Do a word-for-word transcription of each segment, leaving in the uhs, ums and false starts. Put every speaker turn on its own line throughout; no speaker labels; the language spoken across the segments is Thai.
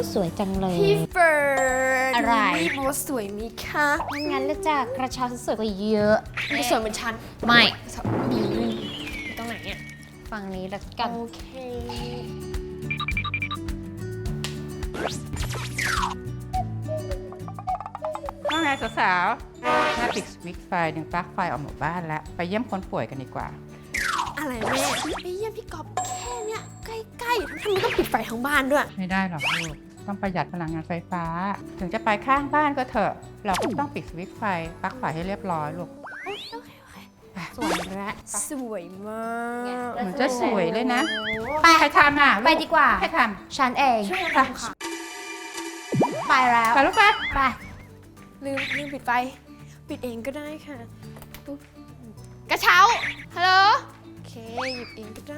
สวยจังเลย
พี่เฟิร์น
อะไร
โมสวยมีคะ
งั้นแล้วจ้ะกระเช้าสวยกว่าเยอะ
ไม่สวยเหมือนฉัน
ไม่
ดีตรงไหนเนี่ย
ฝั่งนี้แล้วกัน
โอเค
ว่าไงสาวๆถ้าปิดสวิตช์ไฟดึงปลั๊กไฟออกหมู่บ้านแล้ว ไปเยี่ยมคนป่วยกันดีกว่า
อะไรแม่ไปเยี่ยมพี่กอบแค่เนี้ยใกล้ๆทำไมต้องปิดไฟทั้งบ้านด้วย
ไม่ได้หรอกลูก ต้องประหยัดพลังงานไฟฟ้า ถึงจะไปข้างบ้านก็เถอะ เราก็ต้องปิดสวิตช์ไฟปลั๊กไฟให้เรียบร้อยลูก
สวยและ
สวยมาก
เหมือนจะสวยเลยนะ
ไป
ใครทำอ่ะลู
ไปดีกว่า
ใครท
ฉันเอง
ช่วย
ำ
ทำค่ะ
ไปแล้ว
ไปลูกไป
ไป
ลืมลืมปิดไฟ ปิดเองก็ได้ค่ะปุ๊บกระเช้า ฮัลโหล โอเค หยิบเองก็ได้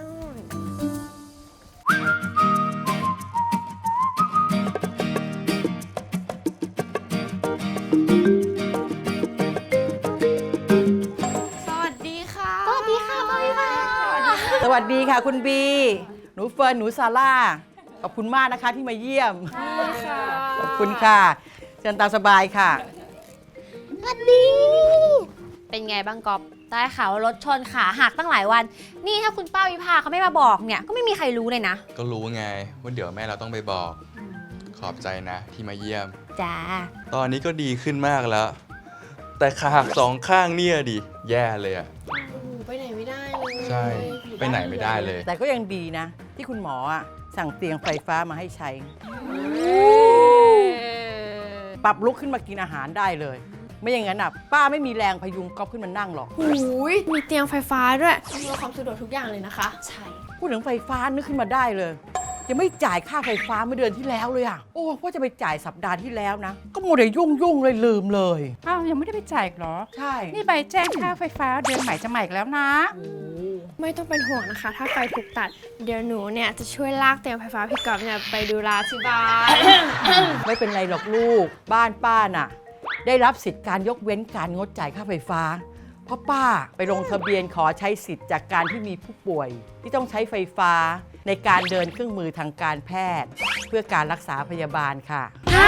สวัสดีค่ะ
สวัสดีค่ะสวัสดีค่ะ
สวัสดีค่ะคุณบี หนูเฟิร์น หนูซาร่า ขอบคุณมากนะคะที่มาเยี่ยม
ดีค่ะ
ขอบคุณค่ะ เชิญตามสบายค่ะ
สวัสดี เป็นไงบ้างกอบได้ข่าวว่ารถชนขาหักตั้งหลายวัน นี่ถ้าคุณป้าวิภาเขาไม่มาบอกเนี่ย ก็ไม่มีใครรู้เลยนะ
ก็รู้ไงว่าเดี๋ยวแม่เราต้องไปบอก ขอบใจนะที่มาเยี่ยม
จ้า
ตอนนี้ก็ดีขึ้นมากแล้ว แต่ขาหักสองข้างเนี่ยดิ แย่เลยอะ
โอ้โหไปไหนไม่ได้เลย
ใช่ ไปไหนไม่ได้เลย
แต่ก็ยังดีนะ ที่คุณหมออะสั่งเตียงไฟฟ้ามาให้ใช้ ปรับลุกขึ้นมากินอาหารได้เลย ไม่อย่างนั้นอ่ะป้าไม่มีแรงพยุงก๊อฟขึ้นมานั่งหรอก
หูยมีเตียงไฟฟ้าด้วยอำนวยความสะดวกทุกอย่างเลยนะคะ
ใช่
พูดถึงไฟฟ้านึกขึ้นมาได้เลย ยังไม่จ่ายค่าไฟฟ้าเมื่อเดือนที่แล้วเลยอ่ะ โอ้ว่าจะไปจ่ายสัปดาห์ที่แล้วนะ ก็มัวแต่ยุ่งยุ่งๆเลยลืมเลย
อ้าวยังไม่ได้ไปจ่ายอีกเหรอ
ใช่
นี่ใบแจ้งค่าไฟฟ้าเดือนใหม่จะใหม่อีกแล้วนะ
ไม่ต้องเป็นห่วงนะคะ ถ้าไฟถูกตัด เดี๋ยวหนูเนี่ยจะช่วยลากเตียงไฟฟ้าพี่กอบเนี่ยไปดูแลที่บ้าน
ไม่เป็นไรหรอกลูก บ้านป้าน่ะ ได้รับสิทธิ์การยกเว้นการงดจ่ายค่าไฟฟ้า เพราะป้าไปลงทะเบียนขอใช้สิทธิ์จากการที่มีผู้ป่วย ที่ต้องใช้ไฟฟ้าในการเดินเครื่องมือทางการแพทย์ เพื่อการรักษาพยาบาลค่ะ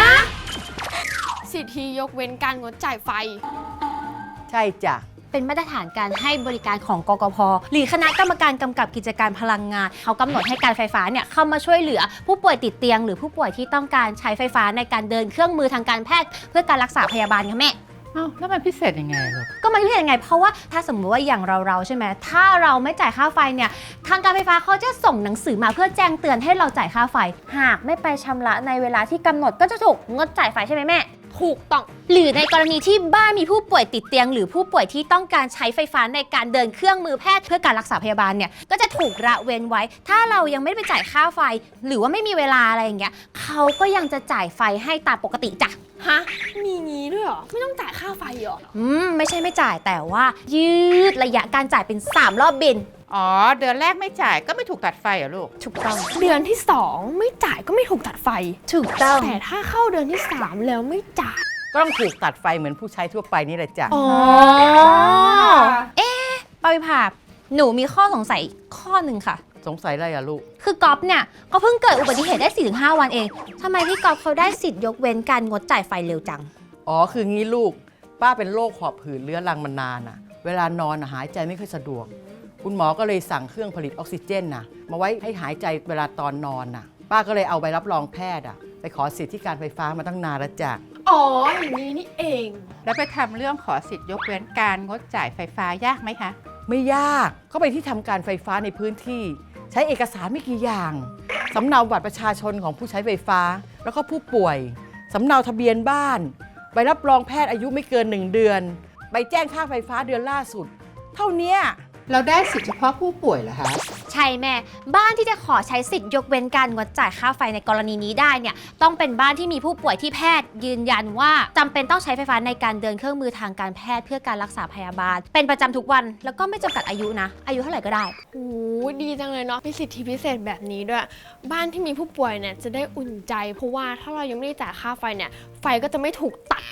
สิทธิยกเว้นการงดจ่ายไฟ
ใช่จ้ะ
เป็นมาตรฐานการให้บริการของกกพ.หรือคณะกรรมการกำกับกิจการพลังงานเขากำหนดให้การไฟฟ้าเนี่ยเข้ามาช่วยเหลือผู้ป่วยติดเตียง หรือผู้ป่วยที่ต้องการใช้ไฟฟ้าในการเดินเครื่องมือทางการแพทย์ เพื่อการรักษาพยาบาลค่ะแม่
อ้าวแล้วมันพิเศษยังไงลูก
ก็มันพิเศษยังไง เพราะว่าถ้าสมมติว่าอย่างเราเราๆใช่ไหมถ้าเราไม่จ่ายค่าไฟเนี่ยทางการไฟฟ้าเขาจะส่งหนังสือมาเพื่อแจ้งเตือนให้เราจ่ายค่าไฟ หากไม่ไปชำระในเวลาที่กำหนดก็จะถูกงดจ่ายไฟใช่ไหมแม่
ถูกต้อง
หรือในกรณีที่บ้านมีผู้ป่วยติดเตียง หรือผู้ป่วยที่ต้องการใช้ไฟฟ้าในการเดินเครื่องมือแพทย์เพื่อการรักษาพยาบาลเนี่ยก็จะถูกละเว้นไว้ ถ้าเรายังไม่ได้ไปจ่ายค่าไฟ หรือว่าไม่มีเวลาอะไรอย่างเงี้ยเขาก็ยังจะจ่ายไฟให้ตามปกติจ้ะ
ฮะ มีงี้ด้วยเหรอ ไม่ต้องจ่ายค่าไฟเหรอ
อืมไม่ใช่ไม่จ่ายแต่ว่า ยืดระยะการจ่ายเป็นสามรอบบิน
อ๋อ เดือนแรกไม่จ่ายก็ไม่ถูกตัดไฟเหรอลูก
ถูกต้อง
เดือนที่สองไม่จ่ายก็ไม่ถูกตัดไฟ
ถูกต้อง
แต่ถ้าเข้าเดือนที่สามแล้วไม่จ่าย
ก็ต้องถูกตัดไฟเหมือนผู้ใช้ทั่วไปนี่แหละจ้ะ
อ๋อ
เอ๊ะปาวิภาหนูมีข้อสงสัยข้อหนึ่งค่ะ
สงสัยอะไรอะลูก
คือก๊อฟเนี่ยก็เพิ่งเกิดอุบัติเหตุได้ สี่ถึงห้า วันเองทำไมพี่ก๊อฟเขาได้สิทธิ์ยกเว้นการงดจ่ายไฟเร็วจัง
อ๋อ คืองี้ลูก ป้าเป็นโรคหอบหืดเรื้อรังมานานอะเวลานอนอะหายใจไม่ค่อยสะดวก คุณหมอก็เลยสั่งเครื่องผลิตออกซิเจนนะมาไว้ให้หายใจเวลาตอนนอนน่ะ ป้าก็เลยเอาใบรับรองแพทย์อะไปขอสิทธิ์ที่การไฟฟ้ามาตั้งนานแล้วจ้ะ
อ๋อ อย่างนี้นี่เอง
แล้วไปทำเรื่องขอสิทธิ์ยกเว้นการงดจ่ายไฟฟ้ายากไหมคะ
ไม่ยากก็ไปที่ทำการไฟฟ้าในพื้นที่ ใช้เอกสารไม่กี่อย่างสำเนาบัตรประชาชนของผู้ใช้ไฟฟ้า แล้วก็ผู้ป่วยสำเนาทะเบียนบ้านใบรับรองแพทย์อายุไม่เกินหนึ่งเดือนใบแจ้งค่าไฟฟ้าเดือนล่าสุด เท่าเนี้ย
เราได้สิทธิ์เฉพาะผู้ป่วยเหรอคะ
ใช่แม่ บ้านที่จะขอใช้สิทธิ์ยกเว้นการงดจ่ายค่าไฟในกรณีนี้ได้เนี่ยต้องเป็นบ้านที่มีผู้ป่วยที่แพทย์ยืนยันว่าจำเป็นต้องใช้ไฟฟ้าในการเดินเครื่องมือทางการแพทย์เพื่อการรักษาพยาบาล เป็นประจำทุกวันแล้วก็ไม่จำกัดอายุนะ อายุเท่าไหร่ก็ได้
โอ้ดีจังเลยเนาะมีสิทธิพิเศษแบบนี้ด้วย บ้านที่มีผู้ป่วยเนี่ยจะได้อุ่นใจ เพราะว่าถ้าเรายังไม่ได้จ่ายค่าไฟเนี่ย ไฟก็จะไม่ถูกตัด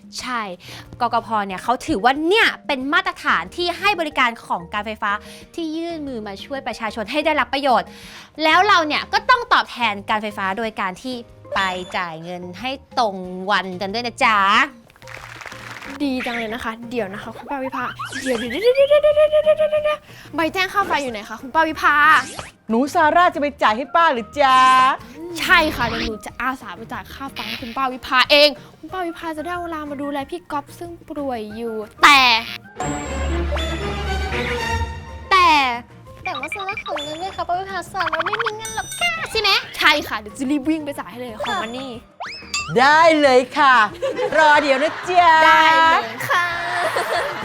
ใช่ กกพเนี่ยเขาถือว่าเนี่ยเป็นมาตรฐานที่ให้บริการของการไฟฟ้าที่ยื่นมือมาช่วยประชาชนให้ได้รับประโยชน์ แล้วเราเนี่ยก็ต้องตอบแทนการไฟฟ้าโดยการที่ไปจ่ายเงินให้ตรงวันกันด้วยนะจ๊ะ
ดีจังเลยนะคะ เดี๋ยวนะคะคุณป้าวิภาเดี๋ยวเดี๋ยวเดี๋ยวเดี๋ยวเดี๋ยวเดี๋ยวเดี๋ยวเดี๋ยวเดี๋ยวใบแจ้งค่าไฟอยู่ไหนคะคุณป้าวิภา
หนูซาร่าจะไปจ่ายให้ป้าหรือจ๊ะ
ใช่ค่ะเดี๋ยวหนูจะอาสาไปจ่ายค่าไฟให้คุณป้าวิภาเอง คุณป้าวิภาจะได้เวลามาดูแลพี่ก๊อฟซึ่งป่วยอยู่ แต่
แต่แต่ว่าซื้อของเงินด้วยค่ะป้าวิภาสอนเราไม่มีเงินหรอกค่ะใช่ไหม
ใช่ค่ะเดี๋ยวจะรีบวิ่งไปจ่ายให้เลยของมันนี่
ได้เลยค่ะ รอเดี๋ยวนะจ๊ะ
ได้เลยค่ะ